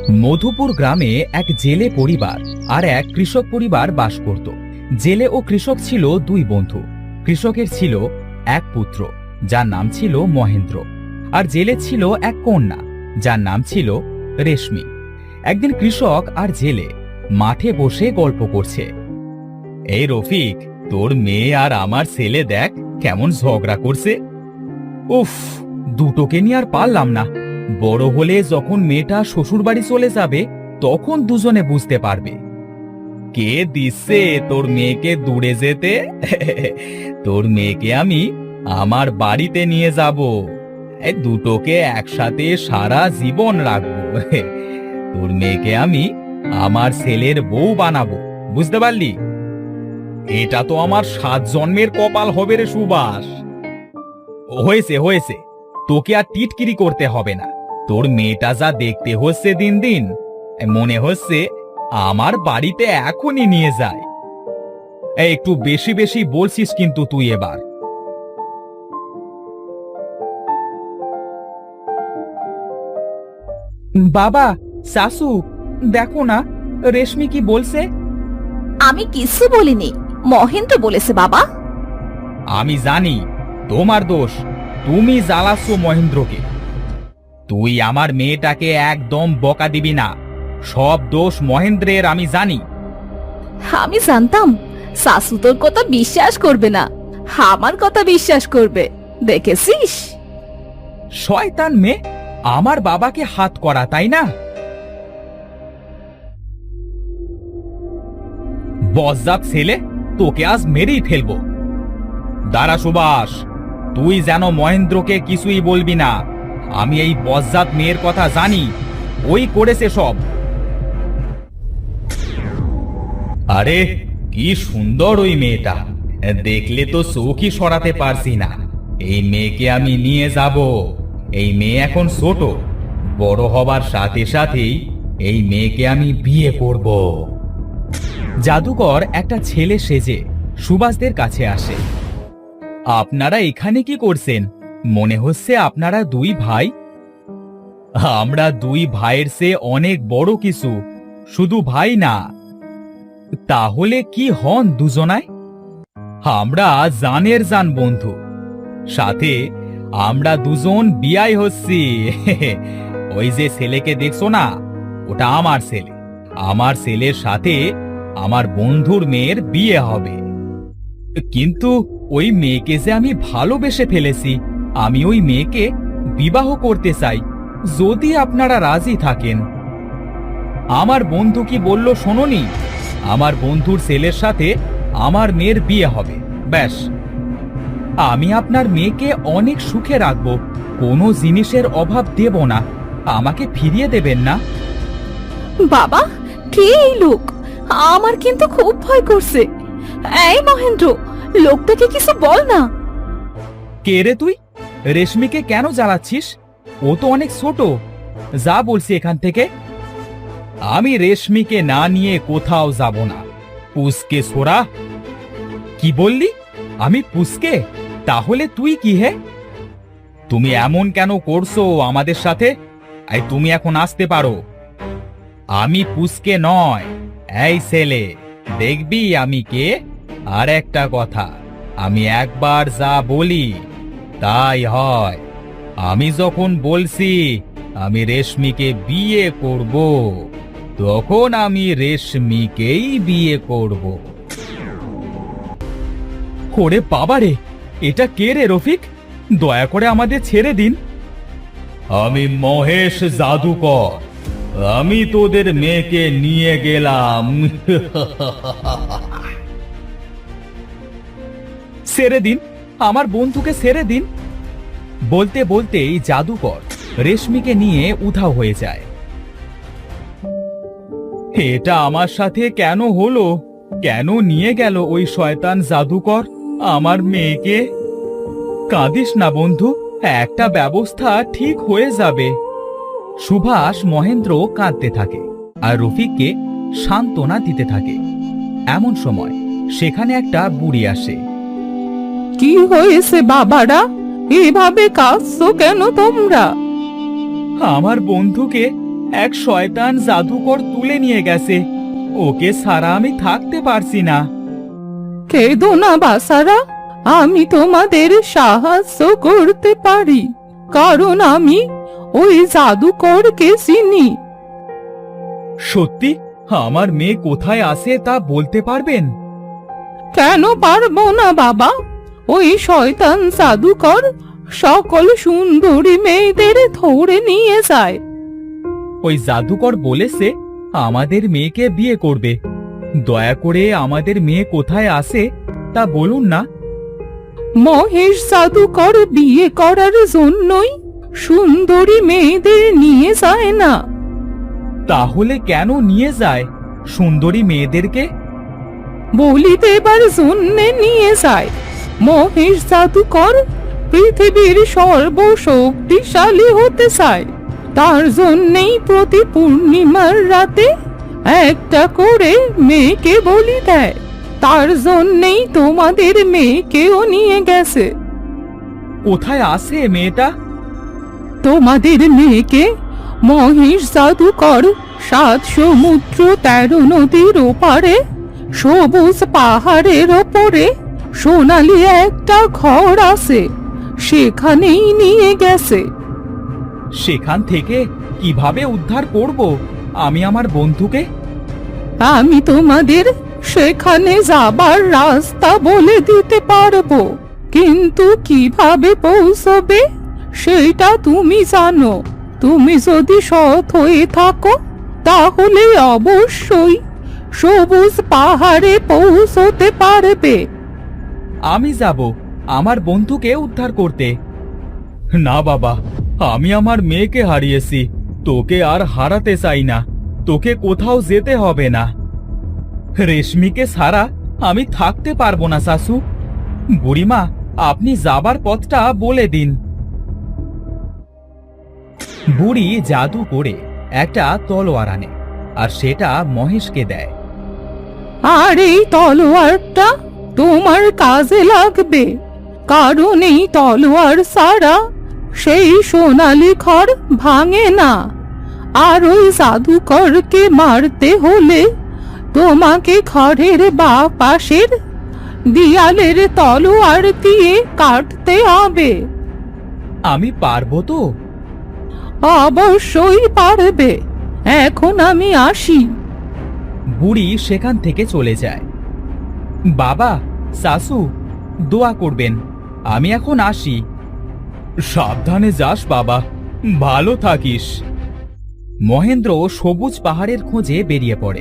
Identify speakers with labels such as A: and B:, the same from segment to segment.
A: মধুপুর গ্রামে এক জেলে পরিবার আর এক কৃষক পরিবার বাস করত। জেলে ও কৃষক ছিল দুই বন্ধু। কৃষকের ছিল এক পুত্র, যার নাম ছিল মহেন্দ্র, আর জেলে ছিল এক কন্যা, যার নাম ছিল রেশমি। একদিন কৃষক আর জেলে মাঠে বসে গল্প করছে। এই রফিক, তোর মেয়ে আর আমার ছেলে দেখ কেমন ঝগড়া করছে। উফ, দুটোকে নিয়ে আর পারলাম না। বড় হলে যখন মেয়েটা শ্বশুর বাড়ি চলে যাবে তখন দুজনে বুঝতে পারবে। কে দিচ্ছে তোর মেয়েকে দূরে যেতে? তোর মেয়েকে আমি আমার বাড়িতে নিয়ে যাব, দুটোকে একসাথে সারা জীবন রাখবো। তোর মেয়েকে আমি আমার ছেলের বউ বানাবো, বুঝতে পারলি? এটা তো আমার 7 জন্মের কপাল হবে রে সুভাষ। হয়েছে হয়েছে, তোকে আর টিটকিরি করতে হবে না। তোর মেয়েটা যা দেখতে হচ্ছে দিন দিন, মনে হচ্ছে আমার বাড়িতে এখনই নিয়ে যায়। একটু বেশি বেশি বলছিস কিন্তু তুই এবার। বাবা, শাশু, দেখো না রেশমি কি বলছে।
B: আমি কিছু বলিনি, মহেন্দ্র বলেছে বাবা।
A: আমি জানি তোমার দোষ, তুমি জ্বালাচ্ছ মহেন্দ্রকে। তুই আমার মেয়েটাকে একদম বকা দিবি না, সব দোষ মহেন্দ্রের আমি জানি।
B: আমি জানতাম শাশু তোর কথা বিশ্বাস করবে না, আমার কথা বিশ্বাস করবে, দেখেছিস?
A: শয়তান মেয়ে, আমার বাবাকে হাত করা, তাই না? বজ্জাত ছেলে, তোকে আজ মেরেই ফেলবো। দাঁড়া সুভাষ, তুই যেন মহেন্দ্রকে কিছুই বলবি না। আমি এই বজ্জাত মেয়ের কথা জানি, ওই করেছে সব। আরে কি সুন্দর ওই মেয়েটা, দেখলে তো চোখই সরাতে পারছি না। এই মেয়েকে আমি নিয়ে যাব। এই মেয়ে এখন ছোট, বড় হবার সাথে সাথেই এই মেয়েকে আমি বিয়ে করব। জাদুকর একটা ছেলে সেজে সুভাষদের কাছে আসে। আপনারা এখানে কি করছেন? মনে হচ্ছে আপনারা দুই ভাই। আমরা দুই ভাইয়ের চেয়ে অনেক বড় কিছু, শুধু ভাই না। তাহলে কি হন দুজনায়? আমরা জানের জান বন্ধু, সাথে আমরা দুজন বিয়াই হচ্ছি। ওই যে ছেলেকে দেখছো না, ওটা আমার ছেলে। আমার ছেলের সাথে আমার বন্ধুর মেয়ের বিয়ে হবে। কিন্তু ওই মেয়েকে যে আমি ভালোবেসে ফেলেছি, আমি ওই মেয়েকে বিবাহ করতে চাই, যদি আপনারা রাজি থাকেন। আমার বন্ধু কি বলল শোনোনি? আমার বন্ধুর ছেলের সাথে আমার মেয়ের বিয়ে হবে, ব্যাস। আমি আপনার মেয়েকে অনেক সুখে রাখবো, কোনো জিনিসের অভাব দেব না। আমাকে ফিরিয়ে দেবেন না?
B: বাবা, কে এই লোক? আমার কিন্তু খুব ভয় করছে। এই মহেন্দ্র, লোকটাকে কিছু বল না।
A: কে রে তুই? রেশমিকে কেন জ্বালাচ্ছিস? ও তো অনেক ছোট। যা বলছি এখান থেকে। আমি রেশমিকে না নিয়ে কোথাও যাব না। পুষকে সোরা। কি বললি? আমি পুষকে? তাহলে তুই কি হে? তুমি এমন কেন করছো আমাদের সাথে? তুমি এখন আসতে পারো। আমি পুষকে নয়। এই ছেলে, দেখবি আমি কে? আর একটা কথা, আমি একবার যা বলি তাই হয়। আমি যখন বলছি আমি রেশমিকে বিয়ে করব, তখন আমি রেশমিকেই বিয়ে করব। ওরে বাবারে, এটা কে রে রফিক? দয়া করে আমাদের ছেড়ে দিন। আমি মহেশ জাদুকর, আমি তোদের মেয়েকে নিয়ে গেলাম। ছেড়ে দিন, আমার বন্ধুকে ছেড়ে দিন। বলতে বলতেই জাদুকর রেশমিকে নিয়ে উধাও হয়ে যায়। এটা আমার সাথে কেন হলো? কেন নিয়ে গেল ওই শয়তান জাদুকর আমার মেয়েকে? কাঁদিস না বন্ধু, একটা ব্যবস্থা ঠিক হয়ে যাবে। সুভাষ মহেন্দ্র কাঁদতে থাকে আর রফিককে সান্ত্বনা দিতে থাকে। এমন সময় সেখানে একটা বুড়ি আসে।
B: কি হয়েছে বাবারা? এভাবে কাঁদছো কেন তোমরা?
A: আমার বন্ধুকে এক শয়তান জাদুকর তুলে নিয়ে গেছে। ওকে ছাড়া আমি থাকতে পারছি না।
B: কেঁদো না বাসারা, আমি তোমাদের সাহায্য করতে পারি, কারণ আমি ওই জাদুকরকে চিনি।
A: সত্যি আমার মেয়ে কোথায় আছে তা বলতে পারবেন?
B: কেন পারবো না বাবা, ওই শয়তান জাদুকর সকল সুন্দরী মেয়েদের ধরে নিয়ে যায়।
A: ওই জাদুকর বলেছে আমাদের মেয়েকে বিয়ে করবে। দয়া করে আমাদের মেয়ে কোথায় আছে তা বলুন না।
B: মহেশ জাদুকর বিয়ে করার জন্যই সুন্দরী মেয়েদের নিয়ে যায় না।
A: তাহলে কেন নিয়ে যায় সুন্দরী মেয়েদেরকে?
B: বলি দেবার জন্যে নিয়ে যায়। মহেশ জাদুকর পৃথিবীর সর্বশক্তিশালী হতে চায়, তার জন্যেই প্রতি পূর্ণিমার রাতে একটা করে মেয়েকে বলি দেয়। তার জন্যেই তোমাদের মেয়েকেও নিয়ে গেছে।
A: কোথায় আছে মেয়েটা?
B: তোমাদের মেয়েকে মহেশ জাদুকর 7 সমুদ্র 13 নদীর ওপারে সবুজ পাহাড়ের ওপরে সোনালি একটা ঘর আছে, সেখানেই নিয়ে গেছে।
A: সেখান থেকে কিভাবে উদ্ধার করব আমি আমার বন্ধুকে?
B: আমি তোমাদের সেখানে যাবার রাস্তা বলে দিতে পারবো, কিন্তু কিভাবে পৌঁছবে সেটা তুমি জানো। তুমি যদি সৎ হয়ে থাকো তাহলে অবশ্যই সবুজ পাহাড়ে পৌঁছতে পারবে।
A: আমি যাব আমার বন্ধুকে উদ্ধার করতে। না বাবা, আমি আমার মেয়েকে হারিয়েছি, তোকে আর হারাতে চাই না। তোকে কোথাও যেতে হবে না। রেশমিকে ছাড়া আমি থাকতে পারবো না শাশু। বুড়িমা, আপনি যাবার পথটা বলে দিন। বুড়ি জাদু করে একটা তলোয়ার আনে আর সেটা মহেশকে দেয়।
B: আর এই তলোয়ারটা তোমার কাজে লাগবে, কারণ এই তলোয়ার ছাড়া সেই সোনালি ঘর ভাঙে না। আর ওই জাদুকরকে মারতে হলে তোমাকে ঘরের বাঁ পাশের দেয়ালের তলোয়ার দিয়ে কাটতে হবে।
A: আমি পারবো তো?
B: অবশ্যই পারবে। এখন আমি আসি।
A: বুড়ি সেখান থেকে চলে যায়। বাবা, শাশু, দোয়া করবেন। আমি এখন আসি। সাবধানে যাস বাবা, ভালো থাকিস। মহেন্দ্র সবুজ পাহাড়ের খোঁজে বেরিয়ে পড়ে।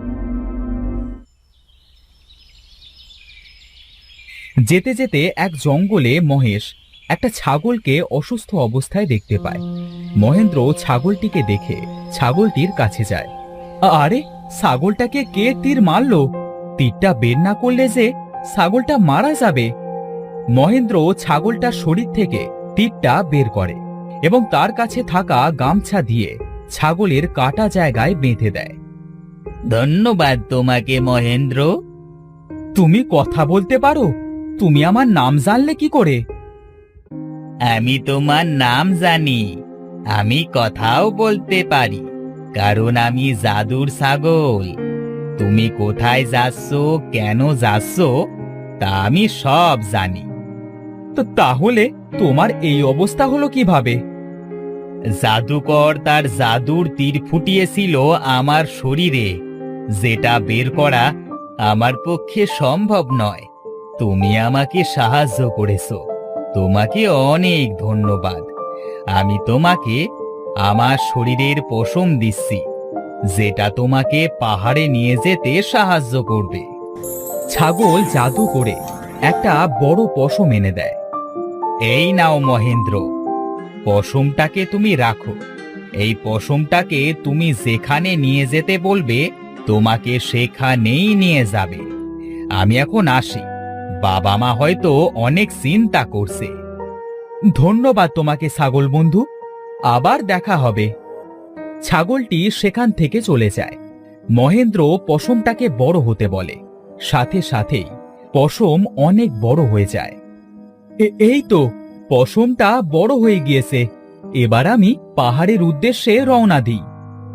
A: যেতে যেতে এক জঙ্গলে মহেশ একটা ছাগলকে অসুস্থ অবস্থায় দেখতে পায়। মহেন্দ্র ছাগলটিকে দেখে ছাগলটির কাছে যায়। আরে, ছাগলটাকে কে তীর মারলো? তীরটা বের না করলে যে ছাগলটা মারা যাবে। মহেন্দ্র ছাগলটার শরীর থেকে তীরটা বের করে এবং তার কাছে থাকা গামছা দিয়ে ছাগলের কাটা জায়গায় বেঁধে দেয়। ধন্যবাদ তোমাকে মহেন্দ্র। তুমি কথা বলতে পারো? তুমি আমার নাম জানলে কি করে? আমি তোমার নাম জানি, আমি কথাও বলতে পারি, কারণ আমি জাদুর ছাগল। তুমি কোথায় যাচ্ছ, কেন যাচ্ছ তা আমি সব জানি। তো তাহলে তোমার এই অবস্থা হলো কিভাবে? জাদুকর তার জাদুর তীর ফুটিয়েছিল আমার শরীরে, যেটা বের করা আমার পক্ষে সম্ভব নয়। তুমি আমাকে সাহায্য করেছো, তোমাকে অনেক ধন্যবাদ। আমি তোমাকে আমার শরীরের পশম দিচ্ছি, যেটা তোমাকে পাহাড়ে নিয়ে যেতে সাহায্য করবে। ছাগল জাদু করে একটা বড় পশম এনে দেয়। এই নাও মহেন্দ্র, পশমটাকে তুমি রাখো। এই পশমটাকে তুমি যেখানে নিয়ে যেতে বলবে তোমাকে সেখানেই নিয়ে যাবে। আমি এখন আসি, বাবা মা হয়তো অনেক চিন্তা করছে। ধন্যবাদ তোমাকে ছাগল বন্ধু, আবার দেখা হবে। ছাগলটি সেখান থেকে চলে যায়। মহেন্দ্র পশমটাকে বড় হতে বলে, সাথে সাথেই পশম অনেক বড় হয়ে যায়। এই তো, পশমটা বড় হয়ে গিয়েছে। এবার আমি পাহাড়ের উদ্দেশ্যে রওনা দিই।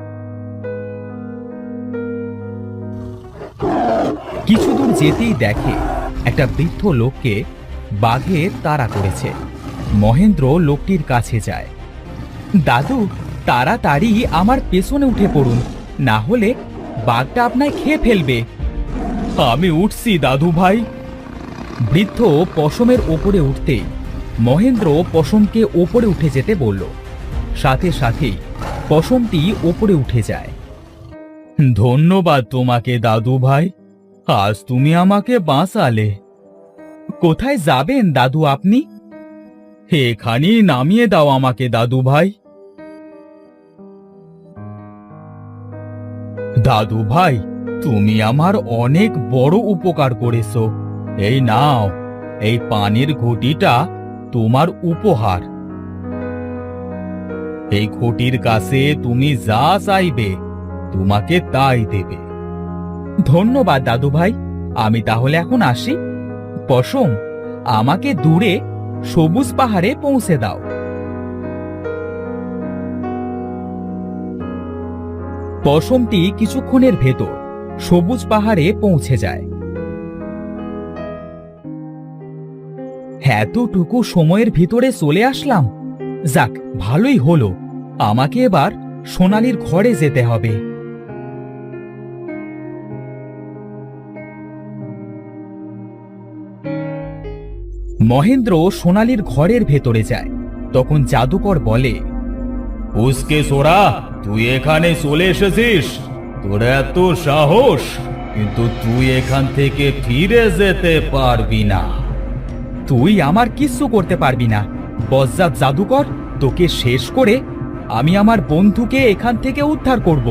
A: যেতেই দেখে একটা বৃদ্ধ লোককে বাঘে তাড়া করেছে। মহেন্দ্র লোকটির কাছে যায়। দাদু, তাড়াতাড়ি আমার পেছনে উঠে পড়ুন, না হলে বাঘটা আপনায় খেয়ে ফেলবে। আমি উঠছি দাদু ভাই। বৃদ্ধ পশমের ওপরে উঠতেই মহেন্দ্র পশমকে ওপরে উঠে যেতে বলল। সাথে সাথেই পশমটি ওপরে উঠে যায়। ধন্যবাদ তোমাকে দাদু ভাই, আজ তুমি আমাকে বাঁচালে। কোথায় যাবেন দাদু আপনি? এখানেই নামিয়ে দাও আমাকে দাদু ভাই। দাদু ভাই, তুমি আমার অনেক বড় উপকার করেছো। এই নাও, এই পানির ঘটিটা তোমার উপহার। এই ঘটির কাছে তুমি যা চাইবে তোমাকে তাই দেবে। ধন্যবাদ দাদু ভাই, আমি তাহলে এখন আসি। পশম, আমাকে দূরে সবুজ পাহাড়ে পৌঁছে দাও। পশমটি কিছুক্ষণের ভেতর সবুজ পাহাড়ে পৌঁছে যায়। এতটুকু সময়ের ভিতরে চলে আসলাম। যাক, ভালোই হলো। আমাকে এবার সোনালীর ঘরে যেতে হবে। মহেন্দ্র সোনালীর ঘরের ভেতরে যায়। তখন জাদুকর বলে, উসকে সোরা, তুই এখানে চলে এসেছিস? তোর এত সাহস, কিন্তু তুই এখান থেকে ফিরে যেতে পারবি না। তুই আমার কিচ্ছু করতে পারবি না। বজ্জাত জাদুকর, তোকে শেষ করে আমি আমার বন্ধুকে এখান থেকে উদ্ধার করব।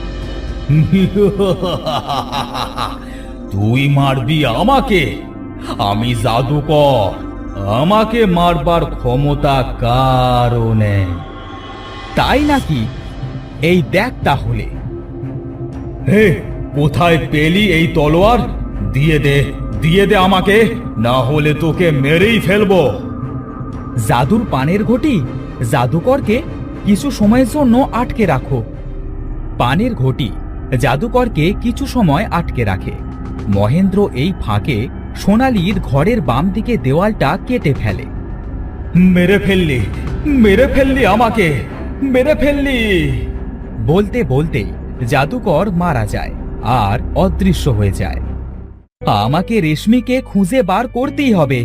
A: তুই মারবি আমাকে? আমি জাদুকর, আমাকে মারবার ক্ষমতা কারও নেই। তাই নাকি? এই দেখ তাহলে। হে, কোথায় পেলি এই তলোয়ার? দিয়ে দে, দিয়ে দে আমাকে, না হলে তোকে মেরেই ফেলবো। জাদুর পানের ঘটি, জাদুকরকে কিছু সময়ের জন্য আটকে রাখো। পানের ঘটি জাদুকরকে কিছু সময় আটকে রাখে। মহেন্দ্র এই ফাঁকে সোনালীর ঘরের বাম দিকে দেওয়ালটা কেটে ফেলে। মেরে ফেললি, মেরে ফেললি আমাকে, মেরে ফেললি। বলতে বলতে জাদুকর মারা যায় আর অদৃশ্য হয়ে যায়। আমাকে রেশমিকে খুঁজে বার করতেই হবে।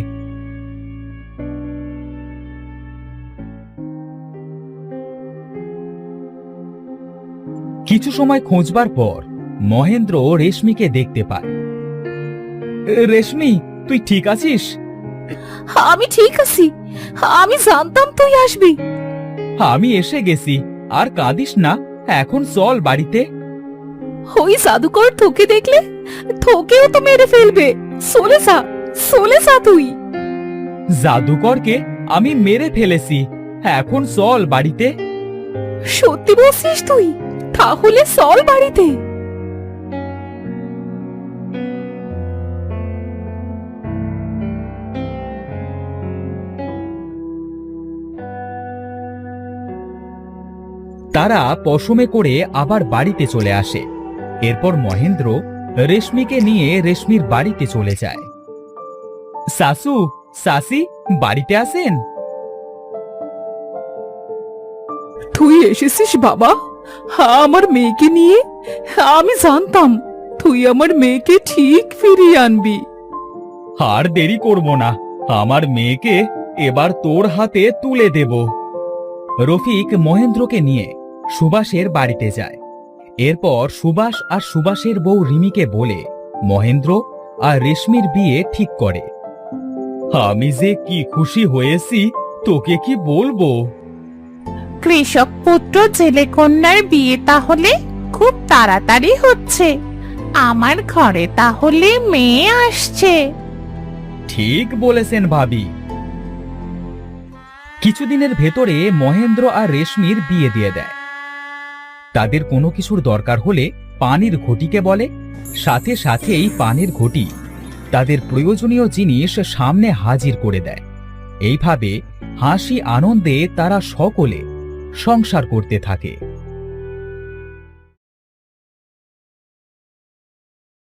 A: কিছু সময় খোঁজবার পর মহেন্দ্র রেশমিকে দেখতে পায়। রেশমি, তুই ঠিক আছিস?
B: আমি ঠিক আছি, আমি জানতাম তুই আসবি।
A: আমি এসে গেছি, আর কাঁদিস না। এখন চল বাড়িতে।
B: ওই জাদুকর তোকে দেখলে তোকেও তো মেরে ফেলবে। চলে যা, চলে যা তুই।
A: জাদুকরকে আমি মেরে ফেলেছি, এখন চল বাড়িতে।
B: সত্যি বলছিস তুই? তাহলে চল বাড়িতে।
A: তারা পশমে করে আবার বাড়িতে চলে আসে। এরপর মহেন্দ্র রেশমিকে নিয়ে রেশমির বাড়িতে চলে যায়। শাশু, শাশি, বাড়িতে আছেন?
B: তুই এসেছিস বাবা, আমার মেয়েকে নিয়ে? আমি জানতাম তুই আমার মেয়েকে ঠিক ফিরিয়ে আনবি।
A: আর দেরি করব না, আমার মেয়েকে এবার তোর হাতে তুলে দেব। রফিক মহেন্দ্রকে নিয়ে সুভাষের বাড়িতে যায়। এরপর সুভাষ আর সুভাষের বউ রিমিকে বলে মহেন্দ্র আর রেশমির বিয়ে ঠিক করে। আমি যে কি খুশি হয়েছি তোকে কি বলবো।
C: কৃষক পুত্র জেলে কন্যার বিয়ে তাহলে খুব তাড়াতাড়ি হচ্ছে। আমার ঘরে তাহলে মেয়ে আসছে।
A: ঠিক বলেছেন ভাবি। কিছুদিনের ভেতরে মহেন্দ্র আর রেশমির বিয়ে দিয়ে দেয়। তাদের কোনো কিছুর দরকার হলে পানির ঘটিকে বলে, সাথে সাথেই পানির ঘটি তাদের প্রয়োজনীয় জিনিস সামনে হাজির করে দেয়। এইভাবে হাসি আনন্দে তারা সকলে সংসার করতে থাকে।